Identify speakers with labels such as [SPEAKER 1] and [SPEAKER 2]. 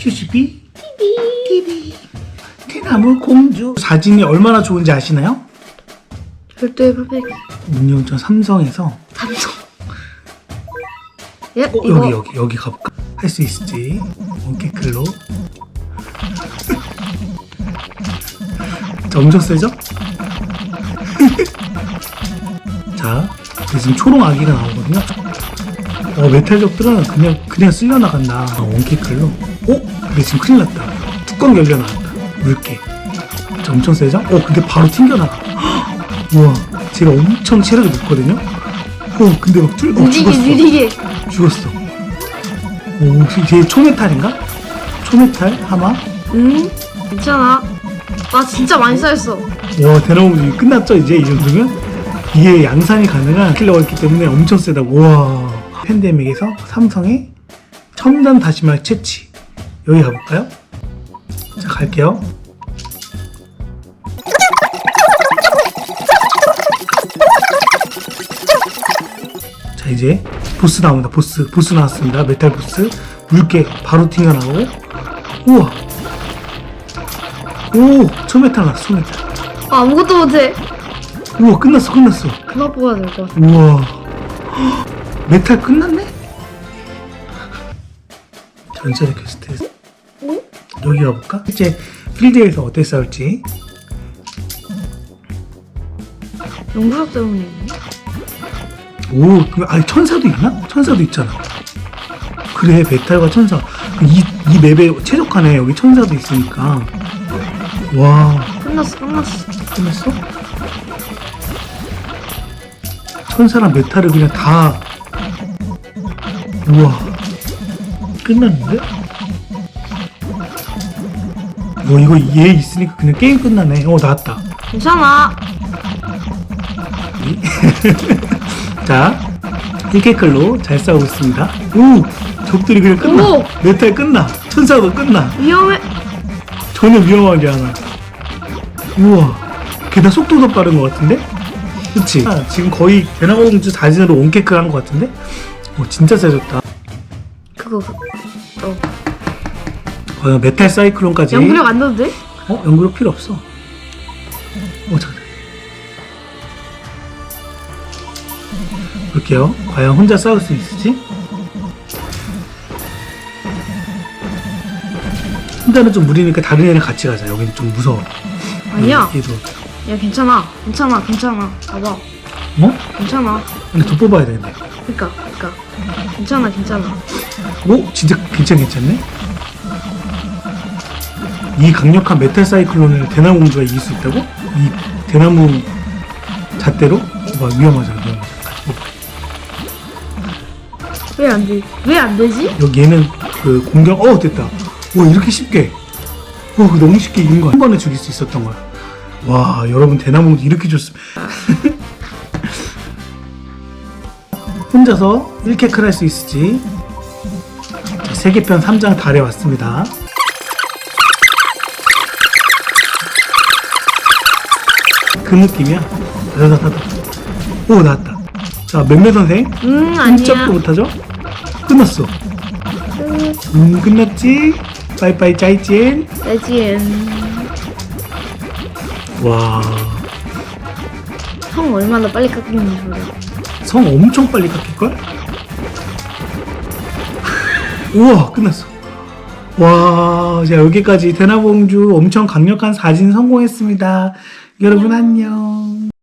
[SPEAKER 1] 슈슈비 TV 대나무 공주 사진이 얼마나 좋은지 아시나요?
[SPEAKER 2] 별도의 팝팩.
[SPEAKER 1] 운영전 삼성에서
[SPEAKER 2] 삼성. 예, 이거.
[SPEAKER 1] 여기 가볼까? 할 수 있을지. 원캐클로. 자, 엄청 세죠? 자, 지금 초록 아기가 나오거든요. 메탈적들은 그냥 쓸려 나간다. 원캐클로. 근데 지금 큰일 났다. 뚜껑 열려 나왔다. 물개. 자, 엄청 세죠? 근데 바로 튕겨나가. 우와, 제가 엄청 체력이 높거든요. 근데 막 죽었어.
[SPEAKER 2] 느리게.
[SPEAKER 1] 죽었어. 이게 초메탈인가? 초메탈 하마?
[SPEAKER 2] 괜찮아. 나 진짜 많이 쌓였어.
[SPEAKER 1] 와, 대나무 끝났죠 이제 이 정도면? 이게 양산이 가능한 킬러가 있기 때문에 엄청 세다고. 와, 팬데믹에서 삼성의 첨단 다시마 채취. 여기 가볼까요? 자, 갈게요. 자, 이제 보스 나옵니다. 보스 나왔습니다. 메탈 보스. 물개 바로 튕겨나오고. 우와. 오, 초메탈 나왔어. 초메탈.
[SPEAKER 2] 아무것도 못해.
[SPEAKER 1] 우와, 끝났어.
[SPEAKER 2] 그만 뽑아야 될 것 같아.
[SPEAKER 1] 우와. 메탈 끝났네? 전설의 퀘스트. 여기 가볼까? 실제 필드에서 어떻게 싸울지.
[SPEAKER 2] 용부력 때문에.
[SPEAKER 1] 천사도 있나? 천사도 있잖아. 그래, 메탈과 천사. 이 맵에 최적화네. 여기 천사도 있으니까. 와.
[SPEAKER 2] 끝났어.
[SPEAKER 1] 끝났어? 천사랑 메탈을 그냥 다. 우와. 끝났는데? 이거 얘 있으니까 그냥 게임 끝나네. 나왔다.
[SPEAKER 2] 괜찮아.
[SPEAKER 1] 자, 1캐클로 잘 싸우고 있습니다. 적들이 그냥 끝나. 메탈 끝나. 천사도 끝나.
[SPEAKER 2] 위험해.
[SPEAKER 1] 전혀 위험하지 않아. 우와, 게다가 속도도 빠른 것 같은데? 그치? 지금 거의 대나무공주 사진으로 온캐클 한 것 같은데? 진짜 세졌다. 메탈 사이클론까지.
[SPEAKER 2] 연구력 안 넣어도 돼?
[SPEAKER 1] 연구력 필요 없어. 잠깐. 볼게요. 과연 혼자 싸울 수 있을지? 혼자는 좀 무리니까 다른 애랑 같이 가자. 여기는 좀 무서워.
[SPEAKER 2] 아니야.
[SPEAKER 1] 얘도.
[SPEAKER 2] 야, 괜찮아. 봐봐. 괜찮아.
[SPEAKER 1] 근데 더 뽑아야 되는데.
[SPEAKER 2] 그니까. 괜찮아.
[SPEAKER 1] 진짜 괜찮네? 이 강력한 메탈 사이클론을 대나무 공주가 이길 수 있다고? 이 대나무 잣대로? 위험하잖아.
[SPEAKER 2] 왜 안 되지?
[SPEAKER 1] 여기 얘는 그 공격, 됐다. 이렇게 쉽게. 너무 쉽게 이긴 거야. 한 번에 죽일 수 있었던 거야. 와, 여러분, 대나무 공주 이렇게 좋습니다. 혼자서 1캐클 할 수 있을지. 자, 세계편 3장 달에 왔습니다. 그 느낌이야. 나왔다. 자, 맴매 선생.
[SPEAKER 2] 아니야.
[SPEAKER 1] 꼼짝도 못하죠? 끝났어. 끝났지? 빠이빠이 짜이찐. 와.
[SPEAKER 2] 성 얼마나 빨리 깎이는지 몰라.
[SPEAKER 1] 성 엄청 빨리 깎일걸? 우와, 끝났어. 와, 자, 여기까지 대나무공주 엄청 강력한 사진 성공했습니다. 여러분 안녕.